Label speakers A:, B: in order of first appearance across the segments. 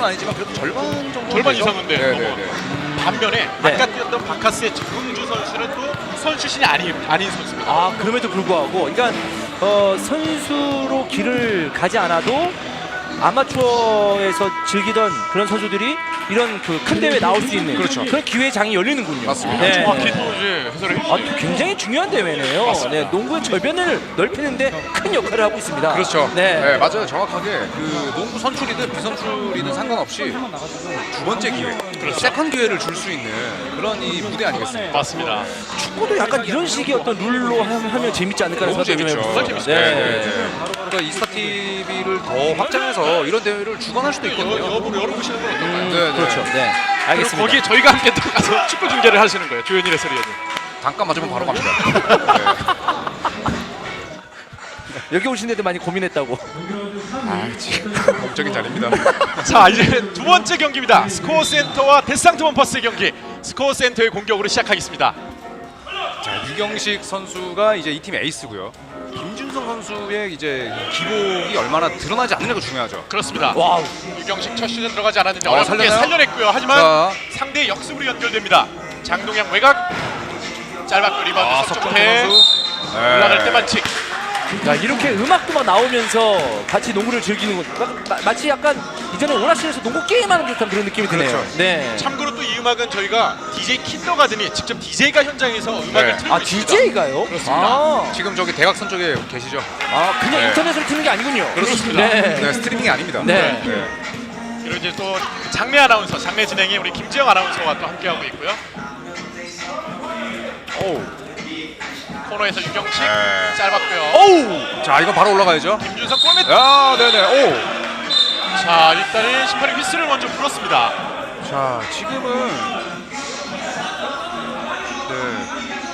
A: 정도는 아니지만 그래도 절반 정도.
B: 절반 이상인데.
A: 네네네.
B: 반면에
C: 네.
B: 아까 뛰었던 바카스의 정은주 선수는 또 선수 출신이 아닌 선수입니다.
C: 아 그럼에도 불구하고 그러니까 선수로 길을 가지 않아도 아마추어에서 즐기던 그런 선수들이 이런 그 큰 대회에 나올 수 있는
A: 그렇죠.
C: 그런 기회의 장이 열리는군요.
A: 맞습니다.
C: 네.
B: 정확히 또 이제 해설을
C: 아,
B: 해주세요.
C: 또 굉장히 중요한 대회네요.
B: 맞습니다.
C: 네, 농구의 절변을 넓히는데 큰 역할을 하고 있습니다.
A: 그렇죠.
C: 네.
A: 네, 맞아요. 정확하게 그 농구 선출이든 비선출이든 상관없이 두 번째 기회, 세컨 기회를 줄 수 있는 그런 이 무대 아니겠습니까?
B: 맞습니다.
C: 축구도 약간 이런 식의 어떤 룰로 하면 재밌지 않을까
A: 너무
C: 생각이 좀
A: 재밌죠.
C: 해보죠.
B: 재밌죠.
C: 네.
A: 그러니까 이스타 TV를 더 확장해서 이런 대회를 주관할 수도 있거든요.
B: 여부를 열어보시는 건 어떨까요?
A: 네, 네.
C: 그렇죠. 네.
B: 그리고
C: 알겠습니다.
B: 거기에 저희가 함께 들어가서 축구 중계를 하시는 거예요. 조현일 해설위원님.
A: 단가 맞으면 바로 갑니다. 네.
C: 여기 오신 데도 많이 고민했다고.
A: 아, 지금 공적인 자리입니다.
B: 자, 이제 두 번째 경기입니다. 스코어 센터와 데스상트 원퍼스의 경기. 스코어 센터의 공격으로 시작하겠습니다.
A: 자, 유경식 선수가 이제 이 팀 에이스고요. 김준성 선수의 이제 기복이 얼마나 드러나지 않느냐가 중요하죠.
B: 그렇습니다.
C: 와우.
B: 유경식 첫 시즌 들어가지 않았는데 어렵게
A: 살렸나요?
B: 살려냈고요. 하지만
A: 자,
B: 상대의 역습으로 연결됩니다. 장동영 외곽 짧았고 리바운드
A: 석정태
B: 석정태
A: 선수.
B: 올라갈 때 반칙.
C: 야, 이렇게 음악도 막 나오면서 같이 농구를 즐기는 것 마치 약간 이전에 오락실에서 농구 게임하는 듯한 그런 느낌이 드네요.
A: 그렇죠.
C: 네.
B: 참고로 또 이 음악은 저희가 DJ 킨더가든이 직접 DJ가 현장에서 음악을
A: 네.
B: 틀고
C: 아,
B: 있습니다.
C: DJ가요?
B: 그렇습니다.
A: 지금 저기 대각선 쪽에 계시죠?
C: 그냥
A: 네.
C: 인터넷으로 트는 게 아니군요.
B: 그렇습니다.
C: 네.
A: 네, 스트리밍이 아닙니다.
C: 네.
B: 그리고 이제 또 장례 아나운서, 장례 진행에 우리 김지영 아나운서와 또 함께하고 있고요.
A: 오.
B: 코너에서 유경식
A: 네.
B: 짧았고요.
A: 오우. 자, 이거 바로 올라가야죠.
B: 김준석 골밑.
A: 야, 네네. 오.
B: 자, 일단은 심판이 휘슬을 먼저 불었습니다.
A: 자, 지금은 네.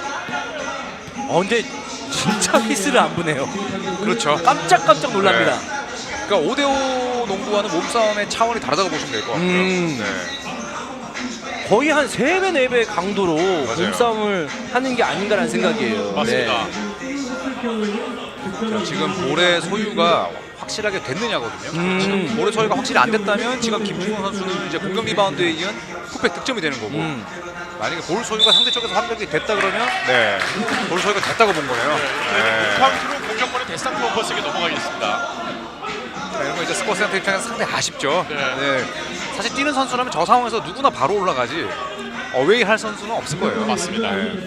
C: 근데 진짜 휘스를 안 부네요.
A: 그렇죠.
C: 깜짝깜짝 놀랍니다.
A: 그러니까 5대5 농구와는 몸싸움의 차원이 다르다고 보시면 될 것 같고요.
C: 네. 거의 한 3배, 4배 강도로
A: 맞아요.
C: 몸싸움을 하는 게 아닌가라는 생각이에요.
B: 맞습니다.
A: 자, 지금 볼의 소유가 확실하게 됐느냐거든요. 지금 볼의 소유가 확실히 안 됐다면 지금 김준호 선수는 이제 공격 리바운드에 이은 풋백 득점이 되는 거고 만약에 볼 소유가 상대 쪽에서 합격이 됐다 그러면 볼 소유가 됐다고 본 거예요.
B: 카운트로 공격권은 데스상트 원퍼스에게 넘어가겠습니다.
A: 이런 거 이제 스코어 센터 입장에서 상당히 아쉽죠.
B: 네.
A: 사실 뛰는 선수라면 저 상황에서 누구나 바로 올라가지 어웨이 할 선수는 없을 거예요.
B: 맞습니다.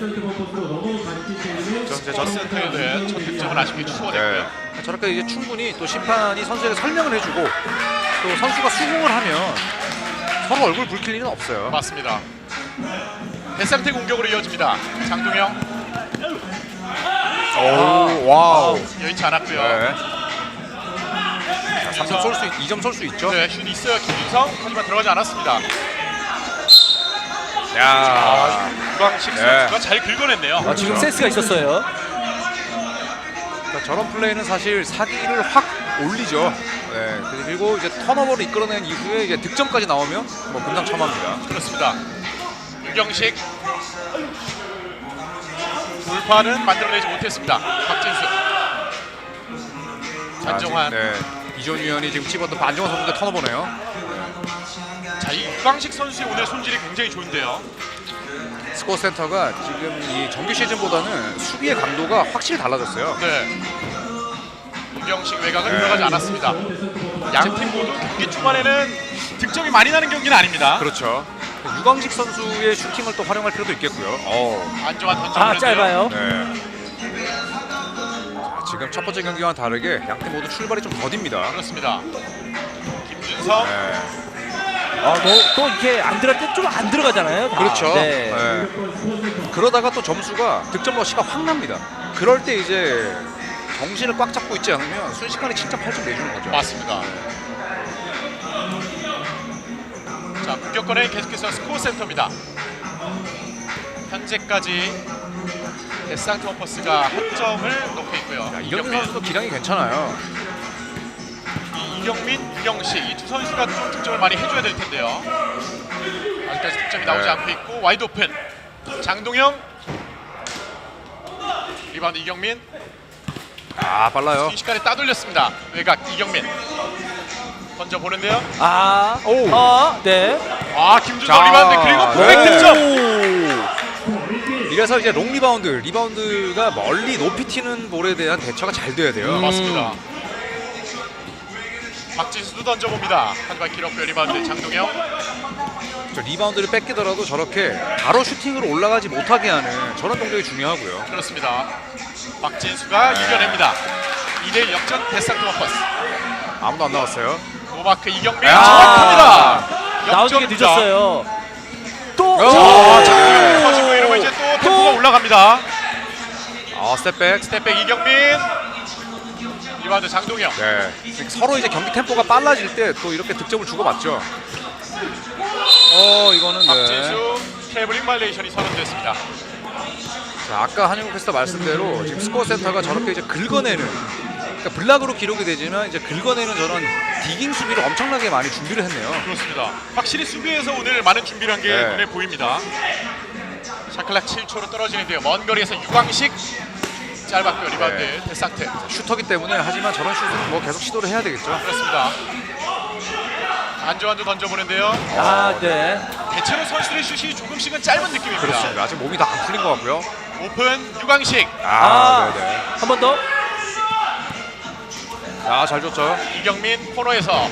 B: 저 센터에 대한 첫 득점은 아쉽게 취소가 됐고요.
A: 저렇게 이제 충분히 또 심판이 선수에게 설명을 해주고 또 선수가 수긍을 하면 서로 얼굴 붉힐 일은 없어요.
B: 맞습니다. 데스상트 공격으로 이어집니다. 장동영
A: 오, 와우.
B: 여의치 않았고요.
A: 네. 3점 쏠 수, 2점 쏠 수 있죠.
B: 네, 슛 있어요. 김준성 하지만 들어가지 않았습니다.
A: 야,
B: 유광식
A: 네.
B: 선수가 잘 긁어냈네요.
C: 지금 센스가 있었어요.
A: 그러니까 저런 플레이는 사실 사기를 확 올리죠. 네, 그리고 이제 턴오버를 이끌어낸 이후에 이제 득점까지 나오면 뭐 금상첨화입니다.
B: 그렇습니다. 유경식 돌파는 만들어내지 못했습니다. 박진수, 안정환.
A: 네, 이존 위원이 지금 집었던 안정환 선수인데 턴오버네요.
B: 자, 이 유광식 선수의 오늘 손질이 굉장히 좋은데요.
A: 스코어 센터가 지금 이 정규 시즌보다는 수비의 강도가 확실히 달라졌어요.
B: 네. 유경식 외곽은 들어가지 않았습니다. 양 팀 모두 경기 초반에는 득점이 많이 나는 경기는 아닙니다.
A: 그렇죠. 유광식 선수의 슈팅을 또 활용할 필요도 있겠고요.
B: 안정환 던져보는데요.
C: 짧아요.
A: 네. 자, 지금 첫 번째 경기와는 다르게 양 팀 모두 출발이 좀 더딥니다.
B: 그렇습니다. 김준성.
A: 네.
C: 또 이렇게 안 들어갈 때 좀 안 들어가잖아요. 다.
A: 그렇죠.
C: 네.
A: 네. 그러다가 또 점수가 득점 러시가 확 납니다. 그럴 때 이제 정신을 꽉 잡고 있지 않으면 순식간에 7점, 8점 내주는 거죠.
B: 맞습니다. 자, 공격권은 계속해서 스코어 센터입니다. 현재까지 데스상트 원퍼스가 한 점을 넣고 있고요.
A: 자, 이경민 선수도 기량이 괜찮아요.
B: 이경민, 유경식 이 두 선수가 좀 득점을 많이 해줘야 될 텐데요. 아직까지 득점이 나오지
A: 네.
B: 않고 있고 와이드 오픈. 장동영 리바운드 이경민
A: 아, 빨라요.
B: 순식간에 따돌렸습니다. 외곽 이경민 던져보는데요.
C: 네.
B: 김준성
A: 자,
B: 리바운드 그리고
A: 네.
B: 풋백 득점.
A: 이래서 이제 롱 리바운드가 멀리 높이 튀는 볼에 대한 대처가 잘 돼야 돼요.
B: 맞습니다. 박진수도 던져봅니다. 하지만 길었고요. 리바운드 장동영.
A: 저 리바운드를 뺏기더라도 저렇게 바로 슈팅으로 올라가지 못하게 하는 저런 동작이 중요하고요.
B: 그렇습니다. 박진수가 이겨냅니다. 2대1 역전 데스상트 원퍼스.
A: 아무도 안 나왔어요.
B: 노마크 이경민
A: 야.
B: 정확합니다.
C: 나오는 게
B: 역전
C: 늦었어요. 또.
A: 오.
B: 장동영 터지고 이러면 이제 또 템포가 올라갑니다.
A: 스텝백.
B: 스텝백 이경민. 리바운드 장동영.
A: 네. 서로 이제 경기 템포가 빨라질 때 또 이렇게 득점을 주고받죠. 이거는 네.
B: 박진수 트래블링 발레이션이 선언됐습니다.
A: 자, 아까 한영국 캐스터 말씀대로 지금 스코어 센터가 저렇게 이제 긁어내는, 그러니까 블락으로 기록이 되지만 이제 긁어내는 저런 디깅 수비를 엄청나게 많이 준비를 했네요.
B: 그렇습니다. 확실히 수비에서 오늘 많은 준비를 한 게
A: 네.
B: 눈에 보입니다. 샤클락 7초로 떨어지는데요. 먼 거리에서 유광식 짧았고요. 리바운드
A: 네.
B: 데스상트.
A: 슈터기 때문에 하지만 저런 슛은 뭐 계속 시도를 해야 되겠죠.
B: 그렇습니다. 안조환도 던져보는데요.
C: 네.
B: 대체로 선수들의 슛이 조금씩은 짧은 느낌입니다.
A: 그렇습니다. 아직 몸이 다 안 풀린 것 같고요.
B: 오픈 유광식.
A: 네네.
C: 한 번 더.
A: 잘 줬죠.
B: 이경민 코너에서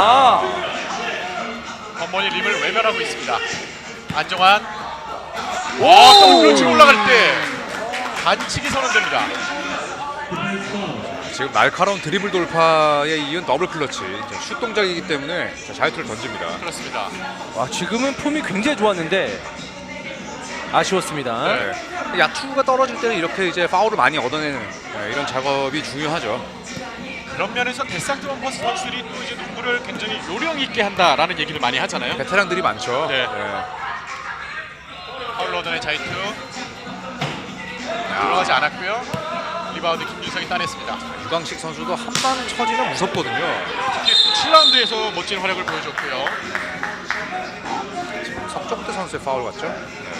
B: 번번이 림을 외면하고 있습니다. 안정환. 더블클러치 올라갈 때 반칙이 선언됩니다.
A: 지금 날카로운 드리블 돌파에 이은 더블 클러치. 슛 동작이기 때문에 자유투를 던집니다.
B: 그렇습니다.
C: 지금은 폼이 굉장히 좋았는데 아쉬웠습니다.
A: 네. 야투가 떨어질 때는 이렇게 이제 파울을 많이 얻어내는 이런 작업이 중요하죠.
B: 그런 면에서 데스상트 원퍼스 선수들이 또 이제 농구를 굉장히 요령 있게 한다라는 얘기를 많이 하잖아요.
A: 베테랑들이 많죠.
B: 네. 파울 얻어낸 자이투 들어가지 않았고요. 리바운드 김준성이 따냈습니다.
A: 유광식 선수도 한 방 쳐지면 무섭거든요.
B: 특히 7라운드에서 멋진 활약을 보여줬고요.
A: 석종대 선수의 파울 같죠?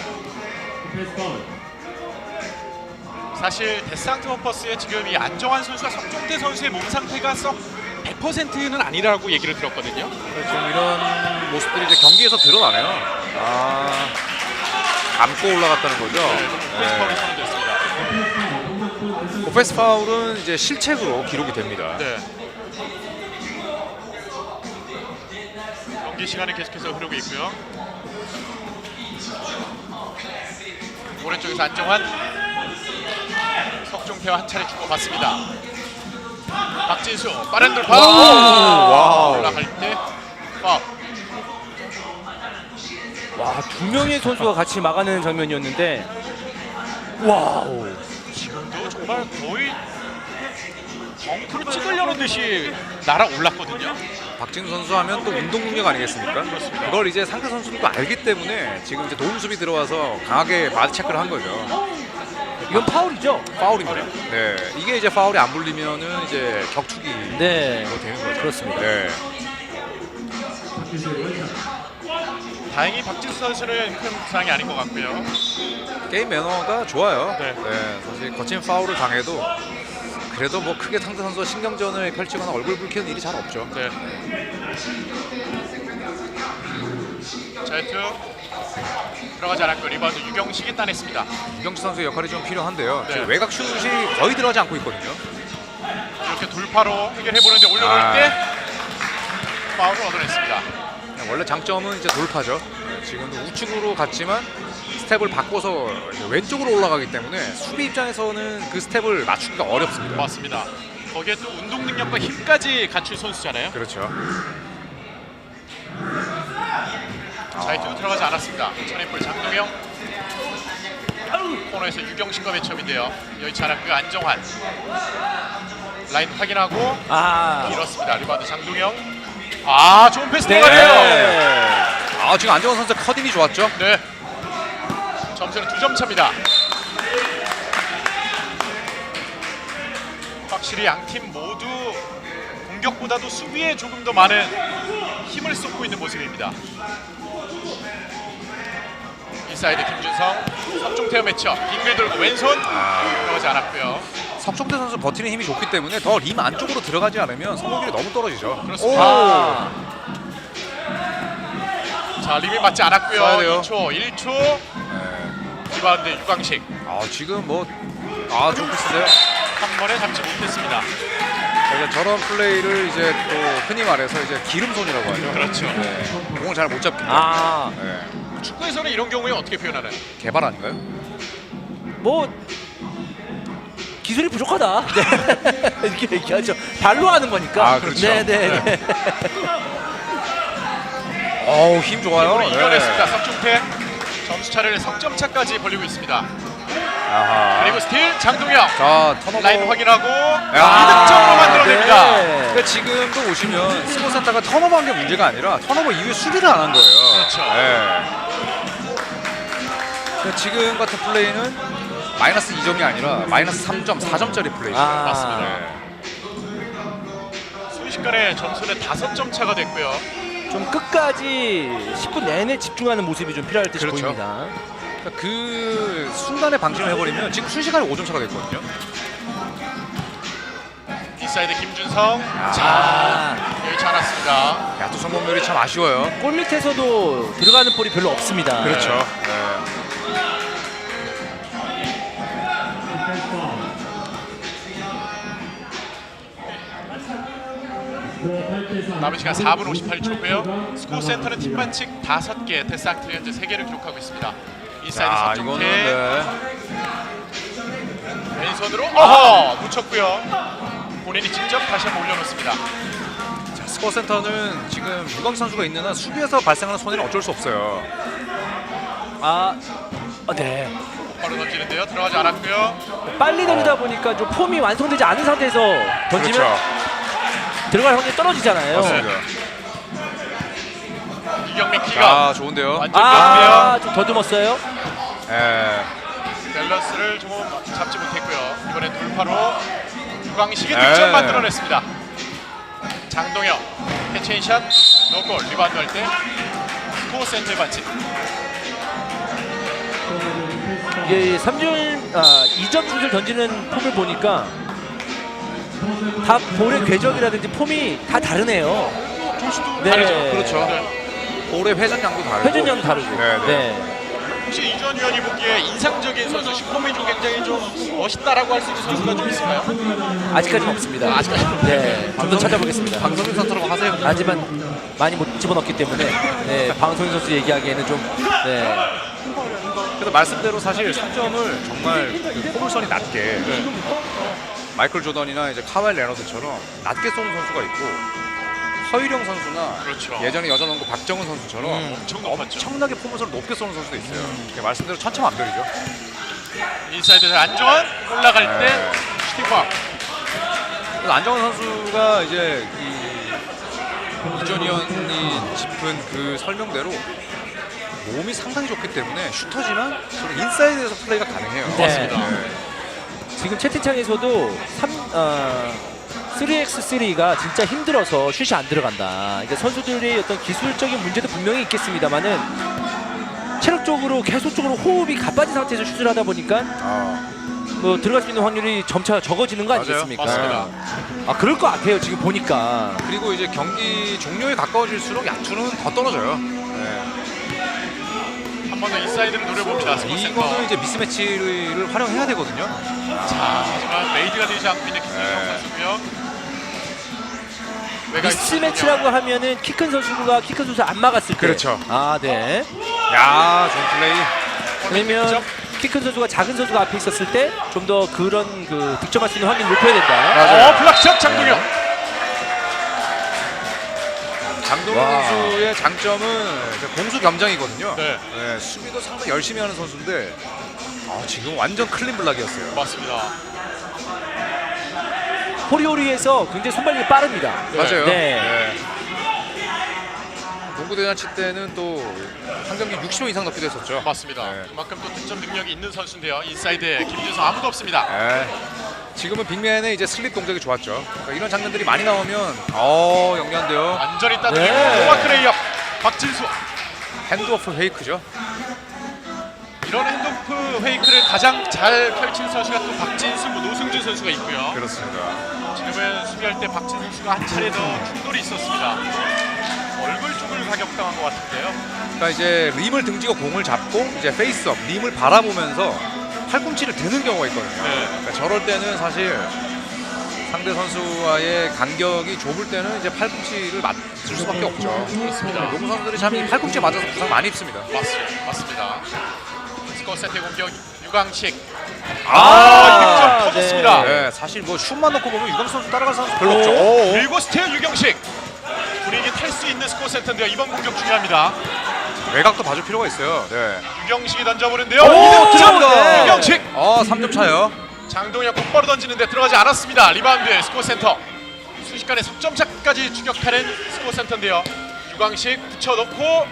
B: 사실 데스상트 원퍼스의 지금 이 안정환 선수와 석종대 선수의 몸 상태가 썩 100%는 아니라고 얘기를 들었거든요.
A: 지금 이런 모습들이 이제 경기에서 드러나네요. 감고 올라갔다는 거죠.
B: 오펜스 파울이 선언됐습니다.
A: 오펜스 파울은 이제 실책으로 기록이 됩니다.
B: 네. 경기 시간이 계속해서 흐르고 있고요. 오른쪽에서 안정환, 석종태와 한 차례 주고받습니다. 박진수 빠른 돌파.
A: 와우.
B: 올라갈 때 파울.
C: 두 명의 선수가 같이 막아내는 장면이었는데 와우.
B: 지금도 정말 거의 덩크로 찍으려는 듯이 날아올랐거든요.
A: 박진우 선수 하면 또 운동 능력 아니겠습니까?
B: 그렇습니다.
A: 그걸 이제 상대 선수들도 알기 때문에 지금 이제 도움 수비 들어와서 강하게 마드 체크를 한 거죠.
C: 이건 파울이죠?
A: 파울입니다. 네, 이게 이제 파울이 안 불리면은 이제 격투기
C: 네.
A: 되는 거죠.
C: 그렇습니다.
A: 네.
B: 다행히 박진수 선수는 큰 부상이 아닌 것 같고요.
A: 게임 매너가 좋아요.
B: 네.
A: 사실 거친 파울을 당해도 그래도 뭐 크게 상대 선수와 신경전을 펼치거나 얼굴 붉히는 일이 잘 없죠.
B: 네. 자이투 들어가지 않았고 리바운드 유경식이 따냈습니다.
A: 유경식 선수의 역할이 좀 필요한데요.
B: 네.
A: 지금 외곽 슛이 거의 들어가지 않고 있거든요.
B: 이렇게 돌파로 해결해보는데 올려놓을 때 파울을 얻어냈습니다.
A: 원래 장점은 이제 돌파죠. 지금도 우측으로 갔지만 스텝을 바꿔서 왼쪽으로 올라가기 때문에 수비 입장에서는 그 스텝을 맞추기가 어렵습니다.
B: 맞습니다. 거기에 또 운동 능력과 힘까지 갖춘 선수잖아요.
A: 그렇죠.
B: 자이투도 들어가지 않았습니다. 천인볼 장동영 코너에서 유경식과 매첩인데요. 여의치 않았고요. 안정환 라인 확인하고 밀었습니다. 리바운드 장동영. 좋은 패스 들어가네요.
A: 지금 안정환 선수 커딩이 좋았죠.
B: 네. 점수는 2점 차입니다. 확실히 양팀 모두 공격보다도 수비에 조금 더 많은 힘을 쏟고 있는 모습입니다. 인사이드 김준성, 석종태와 매쳐 빙글 돌고 왼손 들어가지 않았고요.
A: 석종대 선수 버티는 힘이 좋기 때문에 더 림 안쪽으로 들어가지 않으면 성공률이 너무 떨어지죠.
B: 그렇습니다.
C: 아,
B: 자, 림이 맞지 않았고요.
A: 써야 돼요.
B: 2초, 1초.
A: 네.
B: 리바운드 유광식
A: 지금 뭐 좋은 패스인데요.
B: 한 번에 잡지 못했습니다.
A: 그러니까 저런 플레이를 이제 또 흔히 말해서 이제 기름손이라고 하죠.
B: 그렇죠.
A: 네. 공을 잘 못 잡기 때문에. 네.
B: 축구에서는 이런 경우에 어떻게 표현하나요?
A: 개발 아닌가요?
C: 뭐 기술이 부족하다. 네. 이렇게 얘기하죠. 발로 하는 거니까.
A: 그렇죠.
C: 네네.
A: 힘 좋아요.
B: 오늘 이겨냈습니다. 석중태 점수 차를 석점 차까지 벌리고 있습니다.
A: 아하.
B: 그리고 스틸 장동혁
A: 자, 턴오버.
B: 라인 확인하고
A: 야.
B: 2득점으로 만들어냅니다.
C: 네.
A: 그러니까 지금도 보시면 스포센터가 턴오버한 게 문제가 아니라 턴오버 이후에 수비를 안 한 거예요.
B: 그렇죠.
A: 네. 그러니까 지금 같은 플레이는 마이너스 2점이 아니라 마이너스 3점, 4점짜리 플레이죠.
B: 맞습니다.
A: 네.
B: 순식간에 점수는 5점 차가 됐고요.
C: 좀 끝까지 10분 내내 집중하는 모습이 좀 필요할 듯이
A: 그렇죠.
C: 보입니다.
A: 그러니까 그 순간에 방심을 해버리면 지금 순식간에 5점 차가 됐거든요.
B: 인사이드 김준성.
C: 아.
B: 자, 여의치 않았습니다.
A: 야투 성공률이 참 아쉬워요.
C: 골 밑에서도 들어가는 볼이 별로 없습니다.
A: 그렇죠. 네.
B: 남은 시간 4분 58초고요. 스코어 센터는 팀 반칙 5개, 데스상트 현재 3개를 기록하고 있습니다. 인사이드
A: 자,
B: 석중태
A: 이거는
B: 왼손으로 묻혔고요. 본인이 직접 다시 한번 올려놓습니다.
A: 자, 스코어 센터는 지금 유광 선수가 있는 한 수비에서 발생하는 손해는 어쩔 수 없어요.
C: 네.
B: 바로 던지는데요. 들어가지 않았고요.
C: 빨리 던지다 보니까 좀 폼이 완성되지 않은 상태에서 던지면
A: 그렇죠.
C: 들어갈 확률이 떨어지잖아요.
A: 맞습니다.
B: 이경민 키가
A: 좋은데요.
B: 완전 명비요.
C: 좀 더듬었어요.
A: 예.
B: 밸런스를 조금 잡지 못했고요. 이번엔 돌파로 유광식이
A: 네.
B: 득점 만들어냈습니다. 장동혁 캐치앤샷 노골 리바운드 할 때 스코어 센터의 반칙.
C: 이게 2점 슛을 던지는 폼을 보니까 다 볼의 궤적이라든지 폼이 다 다르네요.
B: 조수도
C: 네.
B: 다르죠.
A: 그렇죠.
B: 네.
A: 볼의 회전량도 다르고.
C: 회전량도 다르고.
A: 네, 네.
C: 네.
B: 혹시 이전 위원이 보기에 인상적인 선수, 슈퍼맨 중 굉장히 좀 멋있다라고 할 수 있는 선수가 좀 있을까요?
C: 아직까지는 없습니다.
B: 아직까지는
C: 네. 좀 더 찾아보겠습니다.
A: 방송인 선수라고 하세요.
C: 하지만 많이 못 집어넣기 때문에 네, 방송인 선수 얘기하기에는 좀 네.
A: 그래서 말씀대로 사실 3점을 정말 그 포물선이 낮게 마이클 조던이나 이제 카와이 레너드처럼 낮게 쏘는 선수가 있고 서유령 선수나
B: 그렇죠.
A: 예전에 여자농구 박정은 선수처럼
B: 엄청 높았죠.
A: 엄청나게 포물선을 높게 쏘는 선수도 있어요. 그러니까 말씀대로 천차만별이죠.
B: 인사이드 안정환 올라갈 때
A: 네.
B: 슈팅광.
A: 그래서 안정환 선수가 이제 이전위원이 짚은 그 설명대로 몸이 상당히 좋기 때문에 슈터지만 저는 인사이드에서 플레이가 가능해요.
C: 네.
B: 맞습니다.
C: 지금 채팅창에서도 3x3가 진짜 힘들어서 슛이 안 들어간다. 그러니까 선수들의 어떤 기술적인 문제도 분명히 있겠습니다만은 체력적으로 계속적으로 호흡이 가빠진 상태에서 슛을 하다 보니까 뭐 들어갈 수 있는 확률이 점차 적어지는 거
A: 맞아요.
C: 아니겠습니까?
B: 맞습니다.
C: 그럴 것 같아요. 지금 보니까.
A: 그리고 이제 경기 종료에 가까워질수록 야투는 더 떨어져요. 네.
B: 한 번 더 인사이드를 노려봅니다. 스코어 센터.
A: 이거는 이제 미스매치를 활용해야 되거든요.
B: 자, 하지만 메이드가 되지 않고 있는 김준성
A: 네.
B: 선수고요. 외곽
C: 미스매치라고 하면은 키 큰 선수가 키 큰 선수 안 막았을 때.
A: 그렇죠.
C: 네.
A: 야, 좋은 플레이.
C: 왜냐면 키 큰 선수가 작은 선수가 앞에 있었을 때 좀 더 그런 그 득점할 수 있는 확률을 높여야 된다.
A: 맞아요.
B: 블락샷 장동혁.
A: 장동훈
C: 와.
A: 선수의 장점은 이제 공수 겸장이거든요.
B: 네.
A: 네, 수비도 상당히 열심히 하는 선수인데 지금 완전 클린 블락이었어요.
B: 맞습니다.
C: 호리호리에서 굉장히 손발력이 빠릅니다.
A: 맞아요.
C: 네.
A: 농구 대잔치 때는 또 한 경기 60점 이상 넣기도 했었죠.
B: 맞습니다.
A: 네.
B: 그만큼 또 득점 능력이 있는 선수인데요. 인사이드에 김준성 아무도 없습니다.
A: 네. 지금은 빅맨의 이제 슬립 동작이 좋았죠. 그러니까 이런 장면들이 많이 나오면 영리한데요.
B: 완전히 따뜻해.
C: 네.
B: 노마크 레이업. 박진수.
A: 핸드오프 페이크죠.
B: 이런 핸드오프 페이크를 가장 잘 펼친 선수가 또 박진수, 노승준 선수가 있고요.
A: 그렇습니다.
B: 지금은 수비할 때 박진수 선수가 한 차례 더 충돌이 있었습니다. 얼굴 쪽을 가격당한 것 같은데요.
A: 그러니까 이제 림을 등지고 공을 잡고 이제 페이스업, 림을 바라보면서 팔꿈치를 드는 경우가 있거든요.
B: 네.
A: 그러니까 저럴 때는 사실 상대 선수와의 간격이 좁을 때는 이제 팔꿈치를 맞을 수밖에 없죠.
B: 그렇습니다.
A: 농구 선수들이 참 이 팔꿈치에 맞아서 부상 많이 입습니다.
B: 맞습니다. 스코어 세트 공격 유광식.
C: 아,
B: 득점 터졌습니다.
A: 네, 사실 뭐 슛만 넣고 보면 유광 선수 따라갈 선수 별로
C: 오.
A: 없죠.
B: 그리고 스테어 유경식. 분위기 탈 수 있는 스코어 세트인데요. 이번 공격 중요합니다.
A: 외곽도 봐줄 필요가 있어요. 네.
B: 유경식이 던져보는데요.
C: 오,
B: 이득점
C: 네.
B: 유경식.
A: 3점 차요.
B: 장동혁 곧바로 던지는데 들어가지 않았습니다. 리바운드 스코어 센터. 순식간에 석점차까지 추격하는 스코어 센터인데요. 유광식 붙여놓고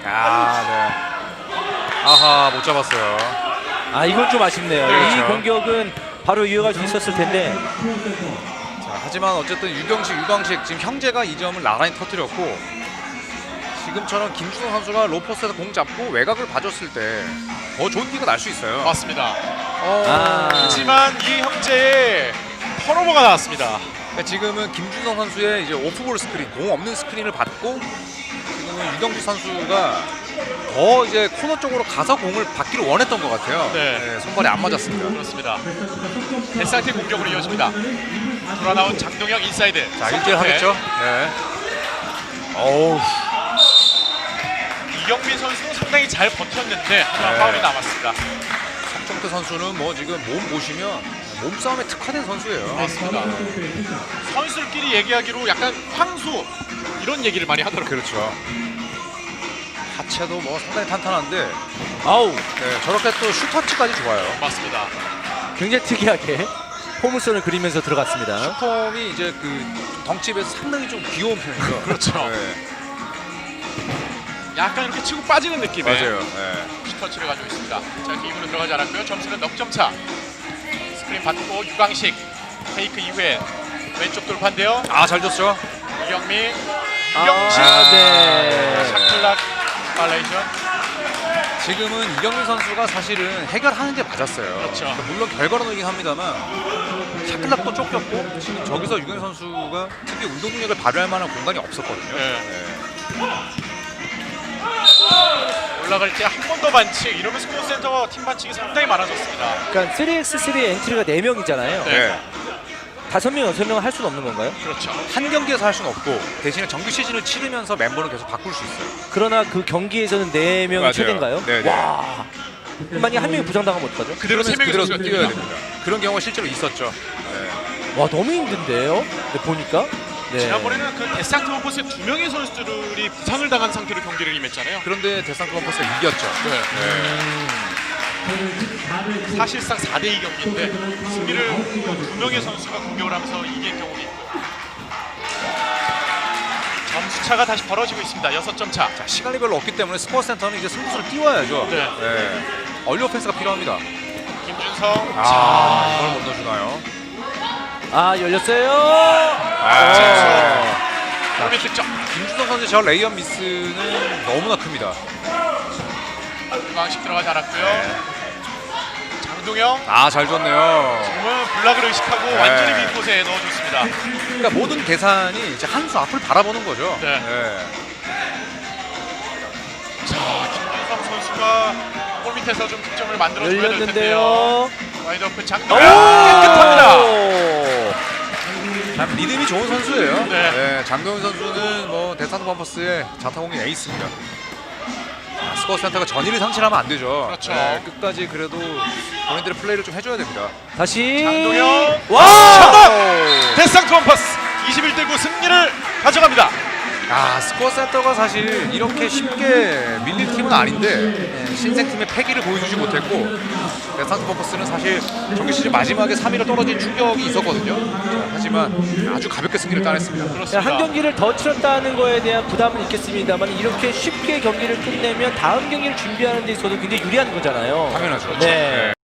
A: 아하, 못 잡았어요.
C: 아, 이건 좀 아쉽네요.
A: 그렇죠.
C: 이 공격은 바로 이어갈 수 있었을 텐데.
A: 자, 하지만 어쨌든 유광식 지금 형제가 이 점을 나란히 터뜨렸고, 지금처럼 김준호 선수가 로포스에서 공 잡고 외곽을 봐줬을 때 더 좋은 기가 날 수 있어요.
B: 맞습니다.
C: 아.
B: 하지만 이 형제의 턴오버가 나왔습니다.
A: 그러니까 지금은 김준호 선수의 이제 오프볼 스크린, 공 없는 스크린을 받고 지금은 유경식 선수가 더 이제 코너 쪽으로 가서 공을 받기를 원했던 것 같아요.
B: 네.
A: 손발이 안 맞았습니다.
B: 그렇습니다. 데스한테 공격으로 이어집니다. 돌아 나온 장동혁 인사이드.
A: 자, 1대1 하겠죠? 네. 어우,
B: 이경민 선수는 상당히 잘 버텼는데 하지만
A: 네.
B: 파울이 남았습니다.
A: 성태 선수는 뭐 지금 몸 보시면 몸싸움에 특화된 선수예요.
B: 맞습니다. 선수들끼리 얘기하기로 약간 황수 이런 얘기를 많이 하더라고요.
A: 그렇죠. 하체도 뭐 상당히 탄탄한데
C: 아우,
A: 네, 저렇게 또 슈터치까지 좋아요.
B: 맞습니다.
C: 굉장히 특이하게 포물선을 그리면서 들어갔습니다.
A: 슈퍼이 이제 그 덩치에서 상당히 좀 귀여운 편이죠.
B: 그렇죠.
A: 네,
B: 약간 이렇게 치고 빠지는 느낌의
A: 맞아요. 네.
B: 슈터치를 가지고 있습니다. 자, 이렇게 입으로 들어가지 않았고요. 점수는 넉점 차. 스크린 받고 유광식 페이크 이후에 왼쪽 돌파인데요.
A: 잘 줬죠.
B: 이경민, 유경식,
C: 네.
B: 샤클락 발레이션.
A: 지금은 이경민 선수가 사실은 해결하는 게 맞았어요.
B: 그렇죠.
A: 그러니까 물론 결과론이긴 합니다만 샤클락도 쫓겼고 지금 저기서 유경민 선수가 특히 운동 능력을 발휘할 만한 공간이 없었거든요.
B: 네. 올라갈 때 한 번 더 반칙 이러면 스코어 센터 팀 반칙이 상당히 많아졌습니다.
C: 그러니까 3x3 엔트리가 4명이잖아요.
B: 네.
C: 5명, 6명은 할 수는 없는 건가요?
B: 그렇죠.
A: 한 경기에서 할 수는 없고 대신에 정규 시즌을 치르면서 멤버는 계속 바꿀 수 있어요.
C: 그러나 그 경기에서는 4명이
A: 맞아요.
C: 최대인가요?
A: 네네.
C: 와. 만약에 한 명이 부상당하면 어떡하죠?
B: 그대로 세 명이
A: 그대로
B: 선수가
A: 뛰어야
B: 뜁니다.
A: 됩니다. 그런 경우가 실제로 있었죠. 네.
C: 와, 너무 힘든데요? 네, 보니까. 네.
B: 지난번에는 그 데스상트 원포스의 2명의 선수들이 부상을 당한 상태로 경기를 임했잖아요.
A: 그런데 데스상트 원포스가 이겼죠.
B: 네. 사실상 4대2 경기인데 승리를 2명의 선수가 공격을 하면서 이긴 경우가 있고 점수차가 다시 벌어지고 있습니다. 6점 차.
A: 자, 시간이 별로 없기 때문에 스포츠센터는 이제 승부수를 띄워야죠.
B: 네.
A: 얼리 오펜스가 필요합니다.
B: 김준성.
A: 이걸 못 넣어주나요?
C: 열렸어요.
B: 골밑 득점.
A: 김준성 선수의 저 레이업 미스는 너무나 큽니다.
B: 유광식 들어가지 않았고요. 장동영.
A: 잘 줬네요.
B: 정말 블락을 의식하고
A: 네.
B: 완전히 빈 곳에 넣어줬습니다.
A: 그러니까 모든 계산이 이제 한 수 앞을 바라보는 거죠.
B: 네. 자, 김준성 선수가 골밑에서 좀 득점을 만들어줘야 될 텐데요.
C: 열렸는데요.
B: 와이드 오픈 장동영 깨끗합니다.
A: 참 리듬이 좋은 선수예요.
B: 네.
A: 장동현 선수는 뭐 데스상트 범퍼스의 자타공인 에이스입니다. 스코어 센터가 전의를 상실하면 안 되죠.
B: 그렇죠.
A: 끝까지 그래도 본인들의 플레이를 좀 해줘야 됩니다.
C: 다시.
B: 장동영.
C: 와!
B: 데스상트 원퍼스 21대9 승리를 가져갑니다.
A: 스코어 센터가 사실 이렇게 쉽게 밀릴 팀은 아닌데 신생팀의 패기를 보여주지 못했고 데스상트 범퍼스는 사실 정규 시즌 마지막에 3위로 떨어진 충격이 있었거든요. 하지만 아주 가볍게 승리를 따냈습니다.
B: 그렇습니다.
C: 한 경기를 더 치렀다는 거에 대한 부담은 있겠습니다만 이렇게 쉽게 경기를 끝내면 다음 경기를 준비하는 데 있어도 굉장히 유리한 거잖아요.
A: 당연하죠.
C: 네.